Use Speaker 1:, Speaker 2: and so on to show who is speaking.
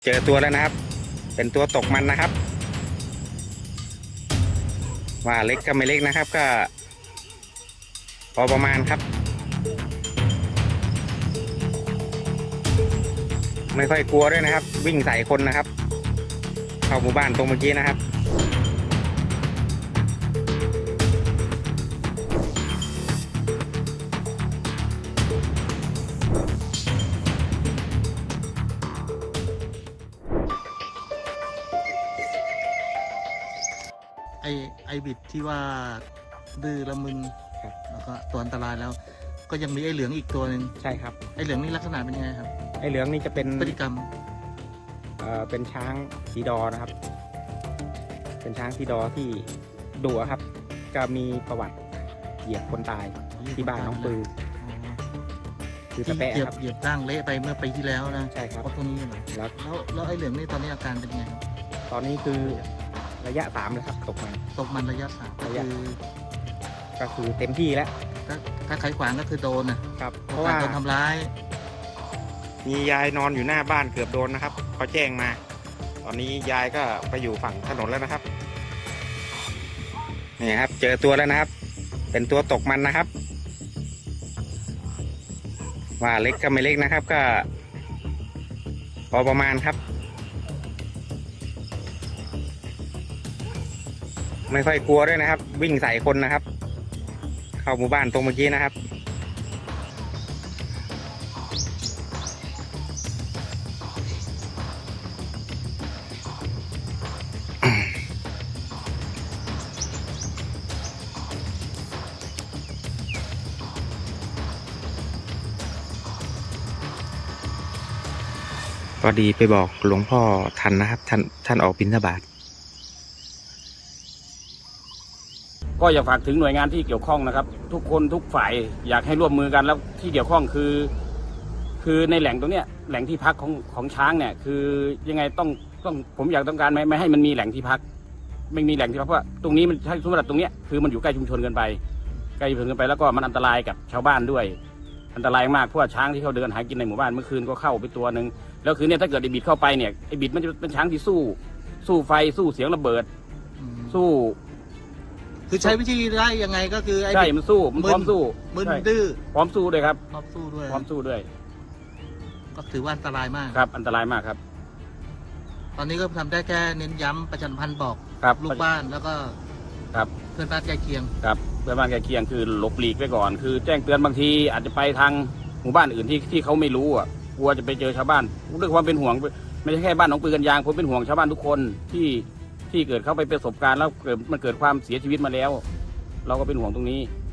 Speaker 1: เจอตัวแล้วนะครับเป็นตัวตกมันนะครับว่าเล็กก็ไม่เล็กนะครับก็พอประมาณครับไม่ค่อยกลัวด้วยนะครับวิ่งใส่คนนะครับเข้าหมู่บ้านตรงเมื่อกี้นะครับ
Speaker 2: ไอบิดที่ว่าดื้อละมึนแล้วก็ตัวอันตรายแล้วก็ยังมีไอเหลืองอีกตัวหนึ่ง
Speaker 1: ใช่ครับ
Speaker 2: ไอเหลืองนี่ลักษณะเป็นยังไงครับ
Speaker 1: ไอเหลืองนี่จะเป็น
Speaker 2: พฤติกรรม
Speaker 1: เป็นช้างสีดอนะครับเป็นช้างสีดอที่ดุครับก็มีประวัติเหยียบคนตายที่บ้านน้องปือคือสเปะครับ
Speaker 2: เหยียบร่างเละไปเมื่อปีที่แล้วนะ
Speaker 1: ใช่ครับ
Speaker 2: เพราะตัวนี้เหรอแล้วไอเหลืองนี่ตอนนี้อาการเป็นยังไงครับ
Speaker 1: ตอนนี้คือระยะ3เลยครับตกมัน
Speaker 2: ระยะ3
Speaker 1: ก็คือเต็มที่แล้ว
Speaker 2: ถ้าใครขวางก็คือโดนนะครับเพราะว่าโดนทำร้าย
Speaker 1: มียายนอนอยู่หน้าบ้านเกือบโดนนะครับเขาแจ้งมาตอนนี้ยายก็ไปอยู่ฝั่งถนนแล้วนะครับนี่ครับเจอตัวแล้วนะครับเป็นตัวตกมันนะครับว่าเล็กก็ไม่เล็กนะครับก็พอประมาณครับไม่ค่อยกลัวด้วยนะครับวิ่งใส่คนนะครับเข้าหมู่บ้านตรงเมื่อกี้นะครับพอดีไปบอกหลวงพ่อทันนะครับท่านออกบิณฑบาต
Speaker 3: ก็อยากฝากถึงหน่วยงานที่เกี่ยวข้องนะครับทุกคนทุกฝ่ายอยากให้ร่วมมือกันแล้วที่เกี่ยวข้องคือในแหล่งตรงเนี้ยแหล่งที่พักของช้างเนี่ยคือยังไงต้องผมอยากต้องการไม่ให้มันมีแหล่งที่พักไม่มีแหล่งที่พักเพราะตรงนี้มันสมมติตรงเนี้ยคือมันอยู่ใกล้ชุมชนเกินไปแล้วก็มันอันตรายกับชาวบ้านด้วยอันตรายมากเพราะว่าช้างที่เขาเดินหากินในหมู่บ้านเมื่อคืนก็เข้าไปตัวหนึ่งแล้วคือเนี่ยถ้าเกิดไอ้บิดเข้าไปเนี่ยไอ้บิดมันจะเป็นช้างที่สู้ไฟสู้เสียงระเบิดสู้
Speaker 2: คือใช้วิธีได้ยังไงก็คือไอ้
Speaker 3: ใช่มันสู้มันพร้อมสู้
Speaker 2: มึนดื้อ
Speaker 3: พร้อมสู้ด้วยครับ
Speaker 2: พร้อมสู้ด้วยก็ถือว่าอันตรายมาก
Speaker 3: ครับอันตรายมากครับ
Speaker 2: ตอนนี้ก็ทำได้แค่เน้นย้ำประชาสัมพันธ์บอกลูกบ้านแล้วก็
Speaker 3: ครับ
Speaker 2: เพื่อนบ้านใกล้เคียง
Speaker 3: ครับเพื่อนบ้านใกล้เคียงคือหลบหลีกไว้ก่อนคือแจ้งเตือนบางทีอาจจะไปทางหมู่บ้านอื่นที่เขาไม่รู้อ่ะกลัวจะไปเจอชาวบ้านด้วยความเป็นห่วงไม่ใช่แค่บ้านหนองปือกันยางผมเป็นห่วงชาวบ้านทุกคนที่เกิดเข้าไปประสบการณ์แล้วมันเกิดความเสียชีวิตมาแล้วเราก็เป็นห่วงตรงนี้